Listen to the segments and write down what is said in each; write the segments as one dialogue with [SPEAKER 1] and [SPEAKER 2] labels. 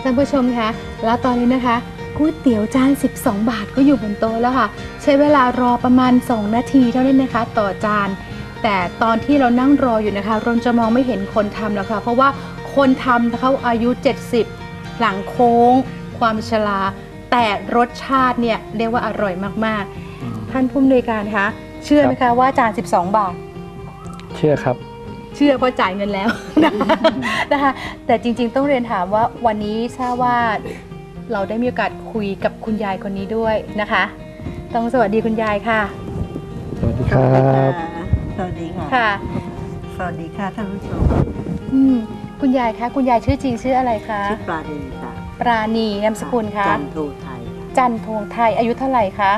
[SPEAKER 1] ท่านผู้ชมคะแล้วตอนนี้นะคะก๋วยเตี๋ยวจาน12 บาทก็อยู่บนโต๊ะแล้วค่ะใช้เวลารอประมาณ2 นาทีเท่านั้นนะคะต่อจานแต่ตอนที่เรานั่งรออยู่นะคะเราจะมองไม่เห็นคนทำแล้วค่ะเพราะว่าคนทำเขาอายุ70หลังโค้งความชราแต่รสชาติเนี่ยเรียกว่าอร่อยมากๆท่านผู้อำนวยการคะเชื่อไหมคะว่าจาน12 บาท
[SPEAKER 2] เชื่อครับ
[SPEAKER 1] เชื่อเพราะจ่ายเงินแล้วนะคะแต่จริงๆต้องเรียนถามว่าวันนี้ทราบว่าเราได้มีโอกาสคุยกับคุณยายคนนี้ด้วยนะคะต้องสวัสดีคุณยายค่ะ
[SPEAKER 2] สวัสดีครับ
[SPEAKER 3] สวัสดีค่ะ
[SPEAKER 1] ค่ะ
[SPEAKER 3] สวัสดีค่ะท่านผู้ชม
[SPEAKER 1] คุณยายคะคุณยายชื่อจริงชื่ออะไรคะ
[SPEAKER 3] ชื่อปราณีค่ะ
[SPEAKER 1] ปราณีนามสกุลคะ
[SPEAKER 3] จันทงไทย
[SPEAKER 1] จันทงไทยอายุเท่าไหร่คะ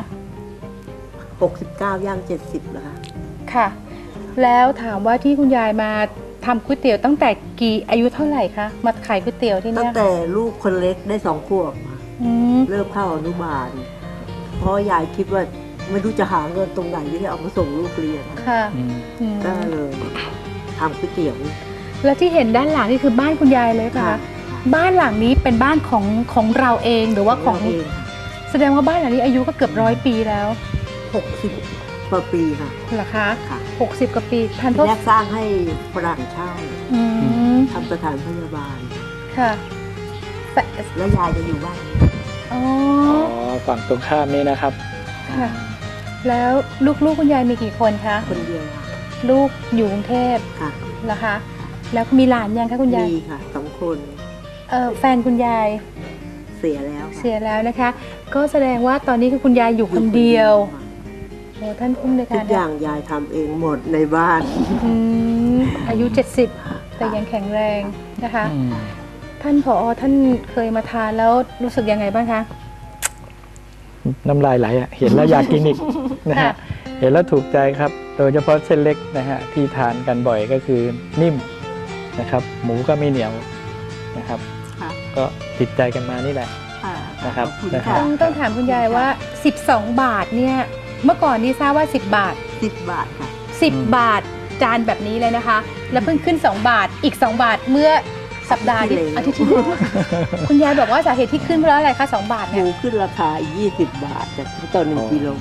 [SPEAKER 3] 69ย่าง70แล้วค่ะ
[SPEAKER 1] ค่ะแล้วถามว่าที่คุณยายมาทำก๋วยเตี๋ยวตั้งแต่อายุเท่าไหร่คะมาขายก๋วยเตี๋ยวที่นี่
[SPEAKER 3] ตั้งแต่ลูกคนเล็กได้2 ขวบเริ่มเข้าอนุบาลเพราะยายคิดว่าไม่รู้จะหาเงินตรงไหนที่จะเอามาส่งลูกเรียน
[SPEAKER 1] ค่ะ
[SPEAKER 3] ก็เลยทำก๋วยเตี๋ยว
[SPEAKER 1] แล้วที่เห็นด้านหลังนี่คือบ้านคุณยายเลยค่ะบ้านหลังนี้เป็นบ้านของเราเองหรือว่าของ
[SPEAKER 3] เอง
[SPEAKER 1] แสดงว่าบ้านหลังนี้อายุก็เกือบ100 ปีแล้ว
[SPEAKER 3] 60 กว่าปีค่ะ
[SPEAKER 1] เหรอคะ60 กว่าปี
[SPEAKER 3] ท่านแรกสร้างให้ฝรั่งเช่าทำสถานพยาบาล
[SPEAKER 1] ค่ะ
[SPEAKER 3] แล้วยายจะอยู่บ้าน
[SPEAKER 1] อ๋อ
[SPEAKER 2] ฝั่งตรงข้ามนี้นะครับ
[SPEAKER 1] ค่ะแล้วลูกคุณยายมีกี่คนคะ
[SPEAKER 3] คนเดียวค่ะ
[SPEAKER 1] ลูกอยู่กรุงเทพ
[SPEAKER 3] ค่ะ
[SPEAKER 1] เหรอคะแล้วมีหลานยังคะคุณยาย
[SPEAKER 3] มีค่ะ2 คน
[SPEAKER 1] แฟนคุณยาย
[SPEAKER 3] เสียแล้ว
[SPEAKER 1] นะคะก็แสดงว่าตอนนี้คือคุณยายอยู่คนเดียวโอ้ท่านผู้อำนวยการ
[SPEAKER 3] ทุกอย่างยายทำเองหมดในบ้าน
[SPEAKER 1] อายุ70แต่ยังแข็งแรงนะคะท่านผอ.ท่านเคยมาทานแล้วรู้สึกยังไงบ้างคะ
[SPEAKER 2] น้ำลายไหลเห็นแล้วอยากกินอีกนะฮะเห็นแล้วถูกใจครับโดยเฉพาะเส้นเล็กนะฮะที่ทานกันบ่อยก็คือนิ่มนะครับหมูก็ไม่เหนียวนะครับก็ติดใจกันมานี่แหละนะครับ
[SPEAKER 1] ต้องถามคุณยายว่า12 บาทเนี่ยเมื่อก่อนนี่ทราบว่า10 บาท
[SPEAKER 3] 10 บาทค่ะ
[SPEAKER 1] 10 บาทจานแบบนี้เลยนะคะแล้วเพิ่งขึ้น2 บาทอีก2 บาทเมื่อสัปดาห์อาทิตย์ที่แล้วคุณยายบอกว่าสาเหตุที่ขึ้นเพราะอะไรคะ2 บาทเนี่ย
[SPEAKER 3] หมูขึ้นราคา20 บาทต่อ1 กิโล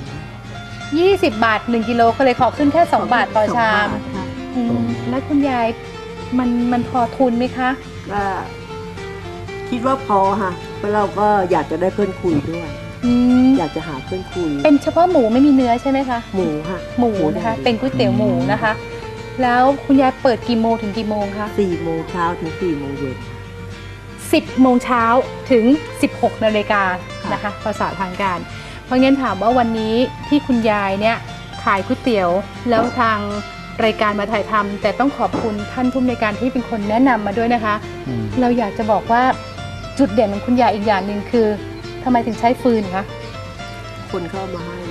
[SPEAKER 1] 20 บาท1 กิโลก็เลยขอขึ้นแค่2 บาทต่อชามแล้วคุณยายมันพอทุนไหมคะ
[SPEAKER 3] ก็คิดว่าพอค่ะเพราะเราก็อยากจะได้เพื่อนคุยด้วยอยากจะหาเพื่อนคุย
[SPEAKER 1] เป็นเฉพาะหมูไม่มีเนื้อใช่ไหมคะ
[SPEAKER 3] หมูค่ะ
[SPEAKER 1] หมูนะคะเป็นก๋วยเตี๋ยวหมูนะคะแล้วคุณยายเปิดกี่โมงถึงกี่โมงคะ
[SPEAKER 3] 4 โมงเช้าถึง4 โมงเย็น
[SPEAKER 1] 10 โมงเช้าถึง16 นาฬิกานะคะภาษาทางการเพราะงั้นถามว่าวันนี้ที่คุณยายเนี่ยขายก๋วยเตี๋ยวแล้วทางรายการมาถ่ายทำแต่ต้องขอบคุณท่านผู้อำนวยการที่เป็นคนแนะนำมาด้วยนะคะเราอยากจะบอกว่าจุดเด่นของคุณยายอีกอย่างหนึ่งคือทำไมถึงใช้ฟืนคะ
[SPEAKER 3] คนเข้ามาให้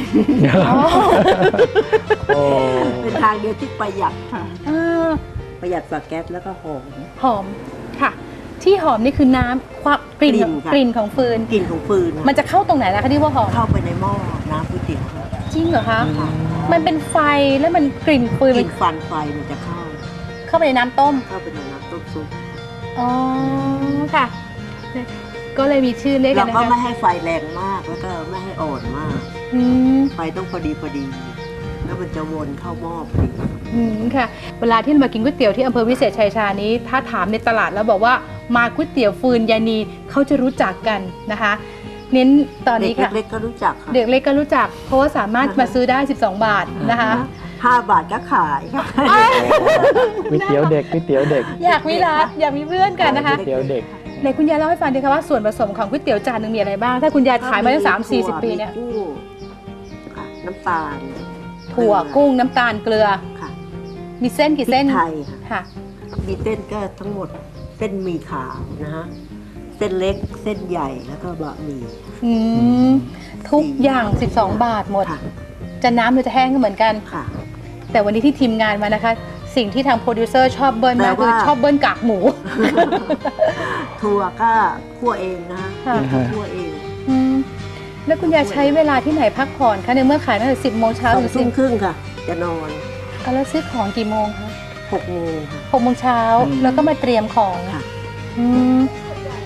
[SPEAKER 3] เป็นทางเดียวที่ประหยัดค่ะประหยัดกว่าแก๊สแล้วก็ห
[SPEAKER 1] อมค่ะที่หอมนี่คือน้ำความกลิ่นของฟืนมันจะเข้าตรงไหนล่ะคะที่ว่าหอม
[SPEAKER 3] เข้าไปในหม้อน้ำก๋วยเตี๋ยว
[SPEAKER 1] จริงเหรอคะมันเป็นไฟแล้วมันกลิ่นฟืน
[SPEAKER 3] กลิ่นฟันไฟมันจะ
[SPEAKER 1] เข้าไปในน้ำต้ม
[SPEAKER 3] ซุป
[SPEAKER 1] อ๋อค่ะก็เลยมีชื่อเรียกกันนะคะ
[SPEAKER 3] เราก็ไม่ให้ไฟแรงมากแล้วก็ไม่ให้อ่อนมากไฟต้องพอดีแล้วมันจะวนเข้าหม้อพอดี
[SPEAKER 1] ค่ะเวลาที่มากินก๋วยเตี๋ยวที่อำเภอวิเศษชัยชานี้ถ้าถามในตลาดแล้วบอกว่ามาก๋วยเตี๋ยวฟืนยานีเขาจะรู้จักกันนะคะเน้นตอนนี้ค่ะ
[SPEAKER 3] เด็กเล็กก็รู้จักค่ะ
[SPEAKER 1] เด็กเล็กก็รู้จักเพราะว่าสามารถมาซื้อได้12 บาทนะคะ
[SPEAKER 3] 5 บาทก็ขายค่ะ
[SPEAKER 2] ก๋วยเตี๋ยวเด็ก
[SPEAKER 1] อยากมีร้านอยากมีเพื่อนกันนะคะ
[SPEAKER 2] ก๋วยเตี๋ยวเด็ก
[SPEAKER 1] ในคุณยายเล่าให้ฟังดีค่ะว่าส่วนผสมของก๋วยเตี๋ยวจานหนึ่งมีอะไรบ้างถ้าคุณยายขายมาตั้ง30-40 ปีเนี่ย
[SPEAKER 3] น้ำตาล
[SPEAKER 1] ถั่วกุ้งน้ำตาลเกลือมีเส้นกี่เส้น
[SPEAKER 3] ไทยค่ะมีเส้นก็ทั้งหมดเส้นหมี่ขาวนะฮะเส้นเล็กเส้นใหญ่แล้วก็บะหมี่
[SPEAKER 1] ทุกอย่าง12 บาทหมดจะน้ำหรือจะแห้งก็เหมือนกันแต่วันนี้ที่ทีมงานมานะคะสิ่งที่ทางโปรดิวเซอร์ชอบเบิ้ลมากคือชอบเบิ้ลกากหมู
[SPEAKER 3] ถั่วก็คั่วเองนะคั่วเอง
[SPEAKER 1] แล้วคุณยายใช้เวลาที่ไหนพักผ่อนคะในเมื่อขายตั้งแต่10 โมงเช้าถึง
[SPEAKER 3] 10 โมงครึ่งค่ะจะนอน
[SPEAKER 1] แล้วซื้อของกี่โมงคะ
[SPEAKER 3] 6 โมงค่ะ
[SPEAKER 1] 6 โมงเช้าแล้วก็มาเตรียมของ
[SPEAKER 3] ค่ะ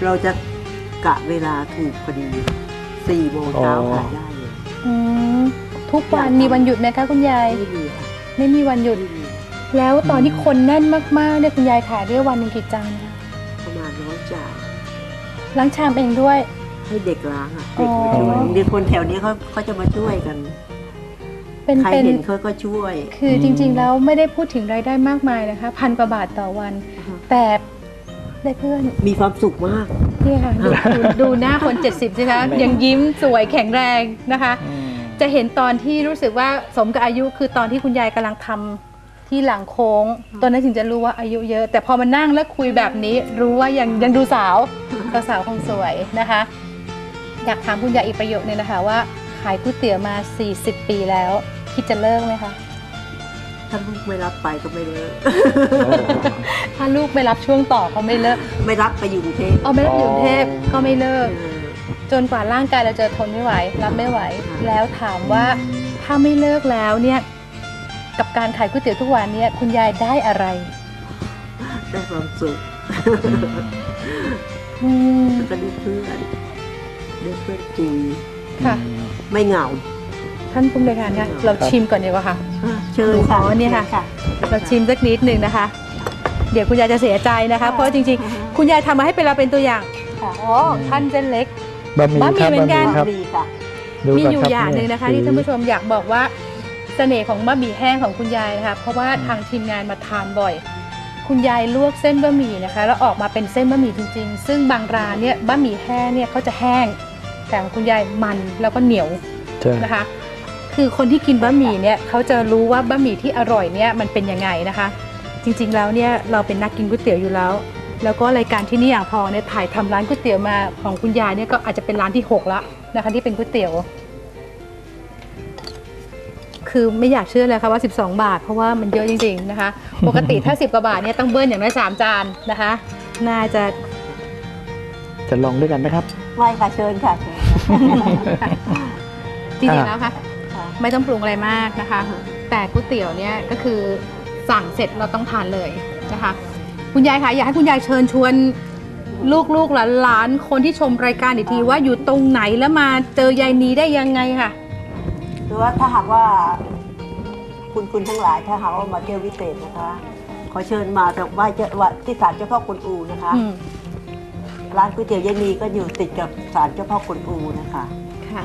[SPEAKER 3] เราจะกะเวลาถูกพอดี4 โมงเช้าขายได้เลย
[SPEAKER 1] อืมทุกวันมีวันหยุดไหมคะคุณยาย
[SPEAKER 3] ไม่มีค่ะ
[SPEAKER 1] ไม่มีวันหยุด
[SPEAKER 3] ไม่มี
[SPEAKER 1] แล้วตอนที่คนแน่นมากๆเนี่ยคุณยายขายได้วันหนึ่งกี่จานคะ
[SPEAKER 3] ประมาณ100 จาน
[SPEAKER 1] ล้างชามเองด้วย
[SPEAKER 3] ให้เด็กล้างอ่ะเด็กมาช่วยเด็กคนแถวนี้เขาจะมาช่วยกัน
[SPEAKER 1] เป็น
[SPEAKER 3] ใคร
[SPEAKER 1] เป็น
[SPEAKER 3] เห็นเขาก็ช่วย
[SPEAKER 1] คือจริงๆแล้วไม่ได้พูดถึงรายได้มากมายนะคะ1,000 กว่าบาทต่อวัน แต่ได้เพื่อน
[SPEAKER 3] มีความสุขมาก
[SPEAKER 1] นี่ค่ะดูหน้าคน 70ใช่ไหมยังยิ้มสวยแข็งแรงนะคะ จะเห็นตอนที่รู้สึกว่าสมกับอายุคือตอนที่คุณยายกำลังทำที่หลังโค้งตอนนั้นถึงจะรู้ว่าอายุเยอะ แต่พอมานั่งแล้วคุยแบบนี้รู้ว่ายังดูสาวสาวคงสวยนะคะ อยากถามคุณยายอีกประโยคนึงนะคะว่าขายก๋วยเตี๋ยวมา40 ปีแล้วคิดจะเลิกไหมคะ
[SPEAKER 3] ถ้าลูกไม่รับไปก็ไม่เลิก
[SPEAKER 1] ถ้าลูกไม่รับช่วงต่อก็ไม่เลิก
[SPEAKER 3] ไม่รับไปอยู่กรุงเทพ
[SPEAKER 1] เอาไม่รับอยู่กรุงเทพก็ไม่เลิก
[SPEAKER 3] เออ
[SPEAKER 1] จนกว่าร่างกายเราจะทนไม่ไหวรับไม่ไหว
[SPEAKER 3] ค่ะ
[SPEAKER 1] แล้วถามว่าถ้าไม่เลิกแล้วเนี่ยกับการขายก๋วยเตี๋ยวทุกวันเนี่ยคุณยายได้อะไร
[SPEAKER 3] ได้ความสุข
[SPEAKER 1] อืม
[SPEAKER 3] แล้วก็ได้เพื่อนคุย
[SPEAKER 1] ค่ะ
[SPEAKER 3] ไม่เหงา
[SPEAKER 1] ท่านผู้บริการคะเราชิมก่อนดีกว่าค่ะ
[SPEAKER 3] เชิญค่ะ
[SPEAKER 1] อ๋อเนี่ยค่ะ เราชิมสักนิดหนึ่งนะคะ เดี๋ยวคุณยายจะเสียใจนะคะ เพราะจริงๆ คุณยายทำมาให้เป็นเราเป็นตัวอย่างอ๋อท่านเส้นเล็ก
[SPEAKER 2] บะหมี่
[SPEAKER 1] บะหมี่
[SPEAKER 2] ครับ
[SPEAKER 1] เหมือนกัน
[SPEAKER 2] บะหมี่ครับ
[SPEAKER 3] ดีค่ะ
[SPEAKER 2] ดู
[SPEAKER 1] มี
[SPEAKER 2] ก่น
[SPEAKER 1] อยู่
[SPEAKER 2] รับ
[SPEAKER 1] อย่างหนึ่งนะคะ ที่ท่านผู้ชมอยากบอกว่าเสน่ห์ของบะหมี่แห้งของคุณยายนะคะเพราะว่าทางทีมงานมาทานบ่อย คุณยายลวกเส้นบะหมี่นะคะแล้วออกมาเป็นเส้นบะหมี่จริงๆ ซึ่งบางร้านเนี่ยบะหมี่แห้งเนี่ยเขาจะแห้งแต่ของคุณยายมันแล้วก็เหนียว
[SPEAKER 2] ใช่
[SPEAKER 1] นะคะ คือคนที่กินบะหมี่เนี่ยเขาจะรู้ว่าบะหมี่ที่อร่อยเนี่ยมันเป็นยังไงนะคะ จริงๆแล้วเนี่ยเราเป็นนักกินก๋วยเตี๋ยวอยู่แล้ว แล้วก็รายการที่นี่อย่างพอเนี่ยถ่ายทำร้านก๋วยเตี๋ยวมาของคุณยายเนี่ยก็อาจจะเป็นร้านที่6แล้วนะคะที่เป็นก๋วยเตี๋ยว คือไม่อยากเชื่อเลยค่ะว่า12 บาทเพราะว่ามันเยอะจริงๆนะคะ ปกติถ้า10 กว่าบาทเนี่ยต้องเบิ้ลอย่างน้อย3 จานนะคะ น่าจะ
[SPEAKER 2] จะลองด้วยกันไหมครับ
[SPEAKER 3] ไม่ค่ะเชิญค่ะเชิญ
[SPEAKER 1] จริงๆแล้วค่ะ
[SPEAKER 3] ค่ะ
[SPEAKER 1] ไม่ต้องปรุงอะไรมากนะคะ แต่ก๋วยเตี๋ยวเนี่ยก็คือสั่งเสร็จเราต้องทานเลยนะคะ คุณยายคะอยากให้คุณยายเชิญชวนลูกๆหลานๆคนที่ชมรายการอีกทีว่าอยู่ตรงไหนแล้วมาเจอยายนีได้ยังไงค่ะ
[SPEAKER 3] คือว่าถ้าหากว่าคุณทั้งหลายถ้าหากว่ามาเที่ยววิเศษนะคะ ขอเชิญมาจากไหว้ที่ศาลเจ้าพ่อกวนอูนะคะ
[SPEAKER 1] อืม
[SPEAKER 3] ร้านก๋วยเตี๋ยวยายนีก็อยู่ติดกับศาลเจ้าพ่อกวนอูนะคะ
[SPEAKER 1] ค่ะ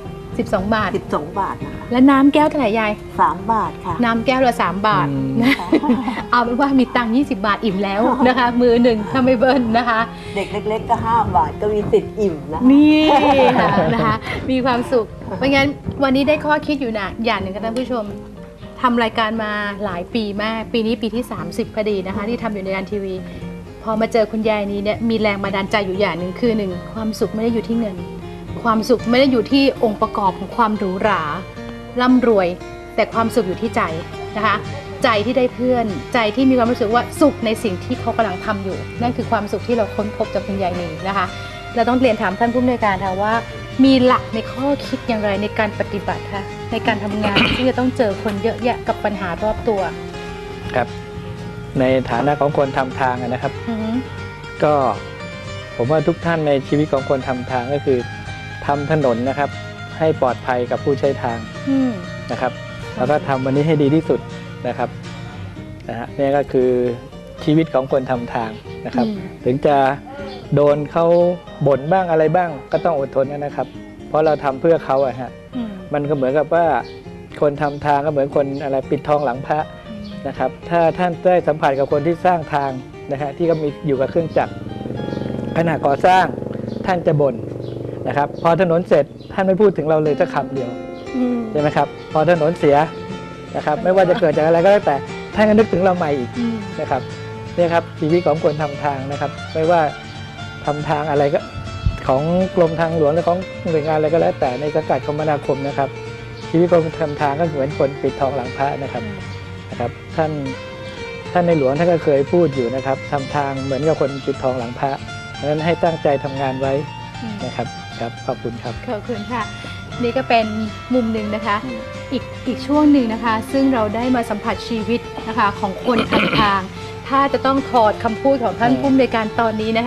[SPEAKER 1] 12 บาท
[SPEAKER 3] 12 บาทนะคะ
[SPEAKER 1] และน้ำแก้วเท่าไหร่ยาย
[SPEAKER 3] 3 บาทค่ะ
[SPEAKER 1] น้ำแก้วละ3 บาท
[SPEAKER 2] อืม
[SPEAKER 1] นะเอาเป็นว่ามีตังค์20 บาทอิ่มแล้วนะคะ มือหนึ่งถ้าไม่เบิ้ลนะคะ
[SPEAKER 3] เด็กเล็กๆก็5 บาทก็มีสิทธิ์อิ่มนะ
[SPEAKER 1] นี่ค่ะนะคะ มีความสุข เพราะงั้นวันนี้ได้ข้อคิดอยู่นะอย่างหนึ่งค่ะท่านผู้ชมทำรายการมาหลายปีมาก ปีนี้ปีที่ 30พอดีนะคะ ที่ทำอยู่ในการทีวี พอมาเจอคุณยายนี้เนี่ยมีแรงบันดาลใจอยู่อย่างหนึ่งคือหนึ่งความสุขไม่ได้อยู่ที่เงิน ความสุขไม่ได้อยู่ที่องค์ประกอบของความหรูหราร่ำรวย แต่ความสุขอยู่ที่ใจนะคะ ใจที่ได้เพื่อน ใจที่มีความรู้สึกว่าสุขในสิ่งที่เขากำลังทำอยู่ นั่นคือความสุขที่เราค้นพบจากคุณยายนีนะคะ เราต้องเรียนถามท่านผู้อำนวยการค่ะว่า มีหลักในข้อคิดอย่างไรในการปฏิบัติคะในการทำงาน ที่จะต้องเจอคนเยอะแยะกับปัญหารอบตัว
[SPEAKER 2] ครับ ในฐานะของคนทำทางอะนะครับ
[SPEAKER 1] อือฮึ
[SPEAKER 2] ก็ผมว่าทุกท่านในชีวิตของคนทำทางก็คือทำถนนนะครับ ให้ปลอดภัยกับผู้ใช้ทาง
[SPEAKER 1] อืม
[SPEAKER 2] นะครับ แล้วก็ทำวันนี้ให้ดีที่สุดนะครับนะฮะนี่ก็คือชีวิตของคนทำทางนะครับ ถึงจะโดนเขาบ่นบ้างอะไรบ้างก็ต้องอดทนนะครับ เพราะเราทำเพื่อเขาอะฮะ
[SPEAKER 1] อืม
[SPEAKER 2] มันก็เหมือนกับว่าคนทำทางก็เหมือนคนอะไรปิดทองหลังพระนะครับ ถ้าท่านได้สัมผัสกับคนที่สร้างทางนะฮะที่ก็มีอยู่กับเครื่องจักรขณะก่อสร้างท่านจะบ่นนะครับ พอถนนเสร็จท่านไม่พูดถึงเราเลยสักคำเดียว
[SPEAKER 1] อืม
[SPEAKER 2] ใช่ไหมครับ พอถนนเสียนะครับ ไม่ว่าจะเกิดจากอะไรก็แล้วแต่ท่านก็นึกถึงเราใหม่อีก
[SPEAKER 1] อืม
[SPEAKER 2] นะครับเนี่ยครับชีวิตของคนทำทางนะครับ ไม่ว่าทำทางอะไรก็ของกรมทางหลวงหรือของหน่วยงานอะไรก็แล้วแต่ในสังกัดคมนาคมนะครับ ชีวิตคนทำทางก็เหมือนคนปิดทองหลังพระนะครับท่านในหลวงท่านก็เคยพูดอยู่นะครับทำทางเหมือนกับคนปิดทองหลังพระเพราะฉะนั้นให้ตั้งใจทำงานไว้นะครับครับขอบคุณครับ
[SPEAKER 1] ขอบคุณค่ะ นี่ก็เป็นมุมหนึ่งนะคะ อีกช่วงหนึ่งนะคะ ซึ่งเราได้มาสัมผัสชีวิตนะคะของคนทำทาง ถ้าจะต้องถอดคำพูดของท่านผู้อำนวยการตอนนี้นะคะ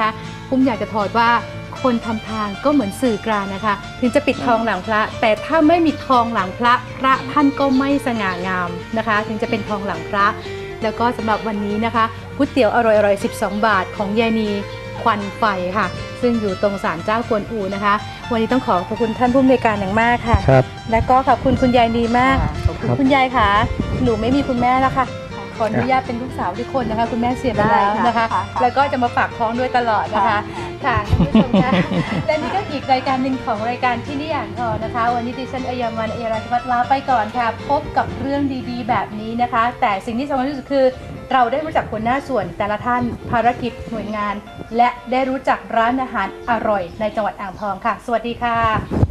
[SPEAKER 1] ปุ้มอยากจะถอดว่าคนทำทางก็เหมือนสื่อกลางนะคะถึงจะปิดทองหลังพระแต่ถ้าไม่มีทองหลังพระพระท่านก็ไม่สง่างามนะคะถึงจะเป็นทองหลังพระแล้วก็สำหรับวันนี้นะคะก๋วยเตี๋ยวอร่อยๆ12 บาทของยายนีควันไฟค่ะซึ่งอยู่ตรงศาลเจ้ากวนอูนะคะวันนี้ต้องขอบคุณท่านผู้อำนวยการอย่างมากค่ะ
[SPEAKER 2] ครับ
[SPEAKER 1] และก็ขอบคุณคุณยายนีมาก
[SPEAKER 3] ขอบคุณ
[SPEAKER 1] คุณยายค่ะหนูไม่มีคุณแม่แล้วค่ะขออนุญาตเป็นลูกสาวทุกคนนะคะคุณแม่เสียไปแล้วนะคะ
[SPEAKER 3] ได้ค่ะ
[SPEAKER 1] แล้วก็จะมาฝากท้องด้วยตลอดนะคะค่ะท่านผู้ชมคะและนี่ก็อีกรายการหนึ่งของรายการที่นี่อ่างทองนะคะวันนี้ดิฉันอัยมันอัยราชวัฒน์ลาไปก่อนค่ะพบกับเรื่องดีๆแบบนี้นะคะ แต่สิ่งที่สำคัญที่สุดคือเราได้รู้จักหัวหน้าส่วนแต่ละท่านภารกิจหน่วยงาน และได้รู้จักร้านอาหารอร่อยในจังหวัดอ่างทองค่ะ สวัสดีค่ะ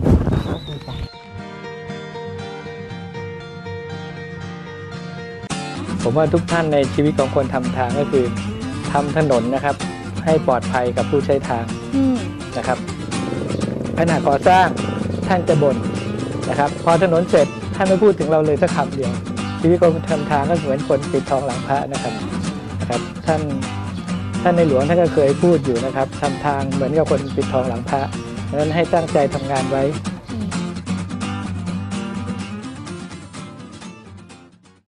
[SPEAKER 2] ผมว่าทุกท่านในชีวิตของคนทำทางก็คือทำถนนนะครับให้ปลอดภัยกับผู้ใช้ทางนะครับขณะก่อสร้างท่านจะบ่นนะครับพอถนนเสร็จท่านไม่พูดถึงเราเลยสักคำเดียวชีวิตคนทำทางก็เหมือนคนปิดทองหลังพระนะครับท่านในหลวงท่านก็เคยพูดอยู่นะครับทำทางเหมือนกับคนปิดทองหลังพระดังนั้นให้ตั้งใจทำงานไว้